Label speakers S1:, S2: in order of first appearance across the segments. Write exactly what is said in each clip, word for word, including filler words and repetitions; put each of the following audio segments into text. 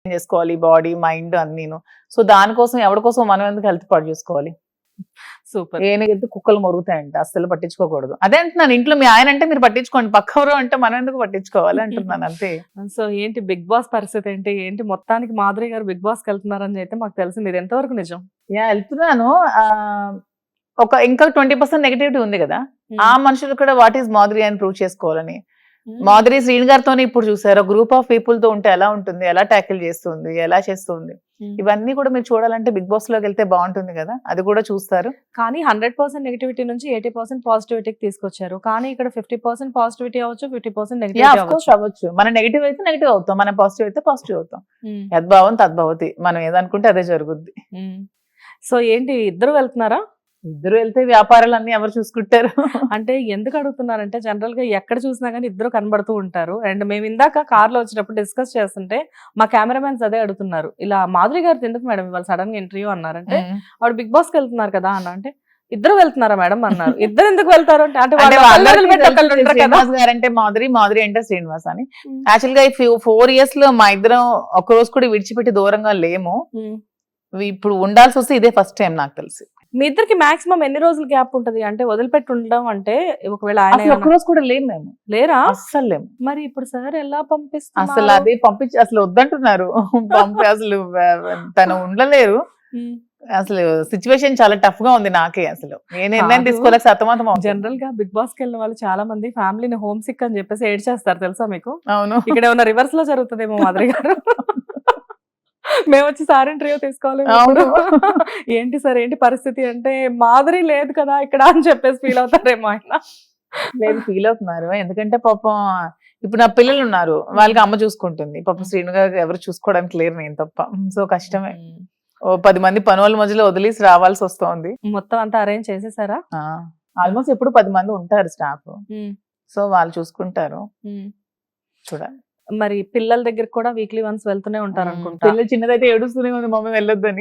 S1: చేసుకోవాలి body mind అన్నీను. So దానికోసం ఎవరి కోసం మనం ఎందుకు హెల్త్ పాడు చేసుకోవాలి?
S2: సూపర్.
S1: ఏనుగెళ్తే కుక్కలు మొరుగుతాయంట, అస్సలు పట్టించుకోకూడదు. అదే అంటున్నాను, ఇంట్లో మీ ఆయన అంటే మీరు పట్టించుకోండి, పక్కవరు అంటే మనం ఎందుకు పట్టించుకోవాలి అంటున్నాను అంతే.
S2: సో ఏంటి బిగ్ బాస్ పరిస్థితి ఏంటి ఏంటి మొత్తానికి మాధురి గారు బిగ్ బాస్ కి వెళ్తున్నారని అయితే మాకు తెలిసింది, ఇది ఎంతవరకు నిజం?
S1: యా వెళ్తున్నాను. ఆ ఒక ఇంకా ట్వంటీ పర్సెంట్ నెగిటివిటీ ఉంది కదా, ఆ మనుషులు కూడా వాట్ ఈస్ మాధురి అని ప్రూవ్ చేసుకోవాలని. మాధురి శ్రీని గారితోనే ఇప్పుడు చూసారు, గ్రూప్ ఆఫ్ పీపుల్ తో ఉంటే ఎలా ఉంటుంది, ఎలా ట్యాకిల్ చేస్తుంది, ఎలా చేస్తుంది, ఇవన్నీ కూడా మీరు చూడాలంటే బిగ్ బాస్ లోకి వెళ్తే బాగుంటుంది కదా, అది కూడా చూస్తారు.
S2: కానీ హండ్రెడ్ పర్సెంట్ నెగిటివిటీ నుంచి ఎయిటీ పర్సెంట్ పాజిటివిటీకి తీసుకొచ్చారు. కానీ ఇక్కడ ఫిఫ్టీ పర్సెంట్ పాజిటివిటీ అవ్వచ్చు, ఫిఫ్టీ పర్సెంట్ నెగిటివిటీ
S1: అవ్వచ్చు. మన నెగిటివ్ అయితే నెగిటివ్ అవుతాం, మన పాజిటివ్ అయితే పాజిటివ్ అవుతాం. యద్భావం తద్భవతి, మనం ఏదనుకుంటే అదే జరుగుద్ది.
S2: సో ఏంటి ఇద్దరు వెళ్తున్నారా?
S1: ఇద్దరు వెళ్తే వ్యాపారాలన్నీ ఎవరు చూసుకుంటారు?
S2: అంటే ఎందుకు అడుగుతున్నారంటే జనరల్ గా ఎక్కడ చూసినా కానీ ఇద్దరు కనబడుతూ ఉంటారు. అండ్ మేము ఇందాక కార్ లో వచ్చినప్పుడు డిస్కస్ చేస్తుంటే మా కెమెరామెన్స్ అదే అడుగుతున్నారు, ఇలా మాధురి గారు ఎందుకు మేడం ఇవాళ సడన్ గా ఇంటర్వ్యూ అన్నారంటే ఆవిడ బిగ్ బాస్ కి వెళ్తున్నారు కదా అన్న, అంటే ఇద్దరు వెళ్తున్నారా మేడం అన్నారు. ఇద్దరు ఎందుకు వెళ్తారు అంటే
S1: శ్రీనివాస్ గారు అంటే మాధురి, మాధురి అంటే శ్రీనివాస్ అని. యాక్చువల్ గా ఈ ఫోర్ ఇయర్స్ లో మా ఇద్దరం ఒక రోజు కూడా విడిచిపెట్టి దూరంగా లేము. ఇప్పుడు ఉండాల్సి వస్తే ఇదే ఫస్ట్ టైం నాకు తెలిసి.
S2: మీ ఇద్దరికి మాక్సిమం ఎన్ని రోజులు గ్యాప్ ఉంటది? అంటే వదిలిపెట్టి ఉండడం అంటే ఒకవేళ ఆయన
S1: ఒక రోజు కూడా లేము మేము.
S2: లేరా?
S1: అస్సలు లేము.
S2: మరి ఇప్పుడు సార్ ఎలా పంపిస్తారు?
S1: అసలు అదే పంపించి అసలు వద్దంటున్నారు పంపి, అసలు తను ఉండలేరు. అసలు సిచ్యువేషన్ చాలా టఫ్ గా ఉంది నాకే. అసలు నేను నిర్ణయం తీసుకోలేక సతమతం.
S2: జనరల్ గా బిగ్ బాస్ కి వెళ్ళిన వాళ్ళు చాలా మంది ఫ్యామిలీని హోమ్ సిక్ అని చెప్పేసి ఏడ్ చేస్తారు, తెలుసా మీకు?
S1: అవును.
S2: ఇక్కడ ఏమన్నా రివర్స్ లో జరుగుతుందేమో మాధురి గారు. మేము వచ్చి సార్ ఇంటర్వ్యూ తీసుకోవాలి, ఏంటి సార్ ఏంటి పరిస్థితి అంటే మాధురి లేదు కదా ఇక్కడ అని చెప్పేసి ఫీల్ అవుతారేమో ఆయన.
S1: లేదు, ఫీల్ అవుతున్నారు. ఎందుకంటే పాపం ఇప్పుడు నా పిల్లలు ఉన్నారు, వాళ్ళకి అమ్మ చూసుకుంటుంది. పాపం శ్రీను గారు ఎవరు చూసుకోవడానికి లేరు, నేను తప్ప. సో కష్టమే. ఓ పది మంది పని వాళ్ళ మధ్యలో వదిలేసి రావాల్సి వస్తుంది.
S2: మొత్తం అంతా అరేంజ్ చేసేసారా?
S1: ఆల్మోస్ట్ ఎప్పుడు పది మంది ఉంటారు స్టాఫ్, సో వాళ్ళు చూసుకుంటారు. చూడాలి.
S2: మరి పిల్లల దగ్గర కూడా వీక్లీ వన్స్ వెళ్తూనే ఉంటారు అనుకుంటా.
S1: పిల్లలు చిన్నదైతే ఏడుస్తూనే ఉంది మమ్మీ వెళ్ళొద్దని.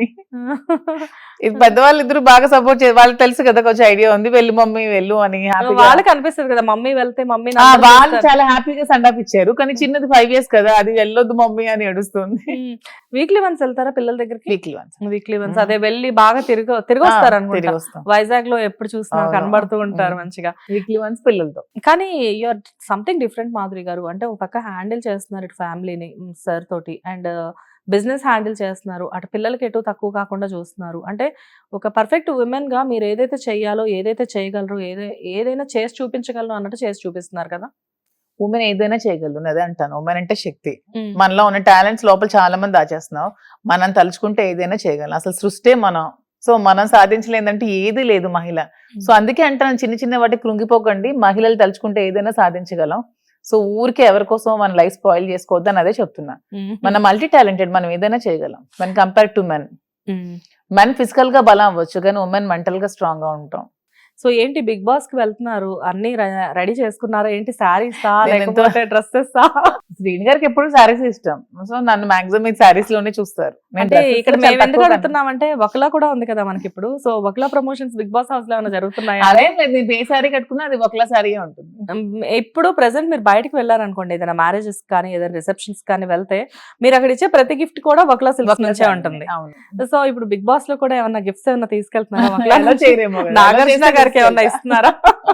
S1: ఇది పెద్దవాళ్ళు ఇద్దరు బాగా సపోర్ట్ చేయాలి, వాళ్ళకి తెలుసు కదా, కొంచెం ఐడియా ఉంది, వెళ్ళు మమ్మీ వెళ్ళు అని.
S2: వాళ్ళకి అనిపిస్తుంది కదా మమ్మీ వెళ్తే మమ్మీ.
S1: వాళ్ళు చాలా హ్యాపీగా సండాప్ ఇచ్చారు, కానీ చిన్నది ఫైవ్ ఇయర్స్ కదా, అది వెళ్ళొద్దు మమ్మీ అని ఏడుస్తుంది.
S2: వీక్లీ వన్స్ వెళ్తారా పిల్లల దగ్గరికి?
S1: Weekly once.
S2: వీక్లీ వన్స్ అదే వెళ్ళి బాగా తిరిగి తిరిగి వస్తారు అనుకుంటా. వైజాగ్ లో ఎప్పుడు చూసినా కనబడుతూ ఉంటారు మంచిగా
S1: వీక్లీ వన్స్ పిల్లలతో.
S2: కానీ యూఆర్ సంథింగ్ డిఫరెంట్ మాధురి గారు. అంటే ఒక పక్క హ్యాండిల్ చేస్తున్నారు ఇటు ఫ్యామిలీని సార్ తోటి, అండ్ బిజినెస్ హ్యాండిల్ చేస్తున్నారు, అటు పిల్లలకి ఎటు తక్కువ కాకుండా చూస్తున్నారు. అంటే ఒక పర్ఫెక్ట్ ఉమెన్ గా మీరు ఏదైతే చెయ్యాలో, ఏదైతే చేయగలరో, ఏదై ఏదైనా చేసి చూపించగలరు అన్నట్టు చేసి చూపిస్తున్నారు కదా.
S1: ఉమెన్ ఏదైనా చేయగలరు, అదే అంటాను. ఉమెన్ అంటే శక్తి. మనలో ఉన్న టాలెంట్స్ లోపల చాలా మంది దాచేస్తున్నాం. మనం తలుచుకుంటే ఏదైనా చేయగలం. అసలు సృష్టి మనం. సో మనం సాధించలేదంటే ఏది లేదు మహిళ. సో అందుకే అంటాను, చిన్న చిన్న వాటికి కృంగిపోకండి, మహిళలు తలుచుకుంటే ఏదైనా సాధించగలం. సో ఊరికే ఎవరి కోసం మన లైఫ్ స్పాయిల్ చేసుకోవద్దు అని అదే చెప్తున్నా. మనం మల్టీ టాలెంటెడ్, మనం ఏదైనా చేయగలం మన compare to men. Men physical గా బలం అవ్వచ్చు, కానీ ఉమెన్ మెంటల్ గా స్ట్రాంగ్ గా ఉంటాం.
S2: సో ఏంటి బిగ్ బాస్ కి వెళ్తున్నారు, అన్ని రెడీ చేసుకున్నారా ఏంటి? శారీసా లేకపోతే డ్రెస్సెస్?
S1: శ్రీని గారికి ఎప్పుడు శారీస్ ఇష్టం, సో నన్ను మాక్సిమం శారీస్ లోనే చూస్తారు.
S2: అంటే ఇక్కడ మేము ఎందుకు అడుగుతున్నామంటే ఒకలా కూడా ఉంది కదా మనకి ఇప్పుడు. సో ఒకలా ప్రమోషన్స్ బిగ్ బాస్ హౌస్ లో ఏమైనా జరుగుతున్నాయా?
S1: అదే నేను ఏ శారీ కట్టుకున్నా అది ఒకలా శారీ ఉంటుంది.
S2: ఇప్పుడు ప్రెసెంట్ మీరు బయటకు వెళ్ళారనుకోండి, ఏదైనా మ్యారేజెస్ కానీ ఏదైనా రిసెప్షన్స్ కానీ వెళ్తే మీరు అక్కడ ఇచ్చే ప్రతి గిఫ్ట్ కూడా ఒకలా సిల్క్స్ నుంచే ఉంటుంది. సో ఇప్పుడు బిగ్ బాస్ లో కూడా ఏమన్నా గిఫ్ట్స్ ఏమన్నా తీసుకెళ్తున్నారా? నాగార్జున గారికి ఏమన్నా ఇస్తున్నారా?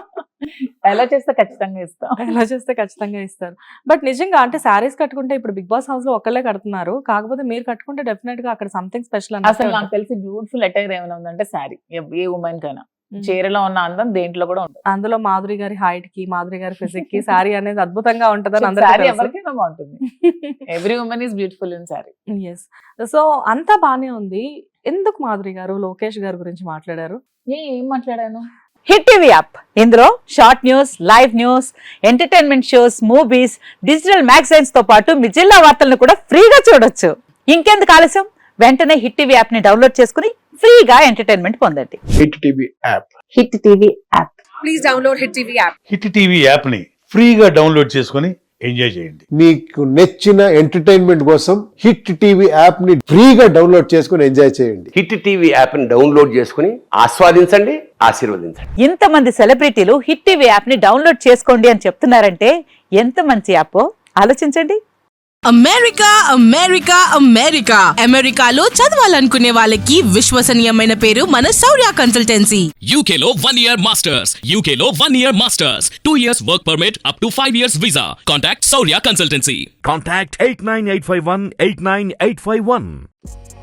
S1: ఎలా చేస్తే ఖచ్చితంగా ఇస్తాం.
S2: ఎలా చేస్తే ఖచ్చితంగా ఇస్తారు. బట్ నిజంగా అంటే శారీస్ కట్టుకుంటే ఇప్పుడు బిగ్ బాస్ హౌస్ లో ఒక్కళ్ళే కడుతున్నారు, కాకపోతే మీరు కట్టుకుంటే డెఫినెట్ గా అక్కడ సంథింగ్ స్పెషల్.
S1: అసలు నాకు తెలిసి బ్యూటిఫుల్ అటైర్ ఏమైనా ఉందంటే శారీ. ఏ ఉమెన్ కైనా చీరలో ఉన్న అందం దేంట్లో కూడా ఉంటుంది.
S2: అందులో మాధురి గారి హైట్ కి, మాధురి గారి ఫిజిక్ కి శారీ అనేది అద్భుతంగా ఉంటదని అందరూ.
S1: ఎవరికైనా బాగుంటుంది. Every women is beautiful in sari.
S2: Yes. So అంతా బానే ఉంది. ఎందుకు మాధురి గారు లోకేష్ గారి గురించి మాట్లాడారు?
S1: ఏం మాట్లాడాను?
S3: హిట్ టీవీ యాప్, ఇందులో short news, live news, entertainment shows, movies, digital magazines తో పాటు మీ జిల్లా వార్తలను కూడా ఫ్రీగా చూడొచ్చు. ఇంకెందుకు ఆలస్యం, వెంటనే హిట్ టీవీ యాప్ ని డౌన్లోడ్ చేసుకుని ఫ్రీగా ఎంటర్టైన్మెంట్ పొందండి.
S4: Hit TV app.
S3: Hit TV app.
S2: Please download hit TV app.
S5: Hit TV app ని ఫ్రీగా డౌన్లోడ్ చేసుకుని ఎంజాయ్ చేయండి.
S4: మీకు నచ్చిన ఎంటర్టైన్మెంట్ కోసం హిట్ టీవీ యాప్ ని ఫ్రీగా డౌన్లోడ్ చేసుకుని ఎంజాయ్ చేయండి.
S6: హిట్ టీవీ యాప్ ని డౌన్లోడ్ చేసుకుని ఆస్వాదించండి, ఆశీర్వదించండి.
S3: ఇంతమంది సెలబ్రిటీలు హిట్ టీవీ యాప్ ని డౌన్లోడ్ చేసుకోండి అని చెప్తున్నారంటే ఎంత మంచి యాప్ ఆలోచించండి.
S7: అమెరికా అమెరికా అమెరికా అమెరికాలో చదవాలనుకునే వాళ్ళకి విశ్వసనీయమైన పేరు మన శౌర్య కన్సల్టెన్సీ.
S8: U K లో one year masters. U K లో one year masters. two years work permit up to five years visa. Contact Saurya Consultancy.
S9: Contact eight nine eight five one eight nine eight five one.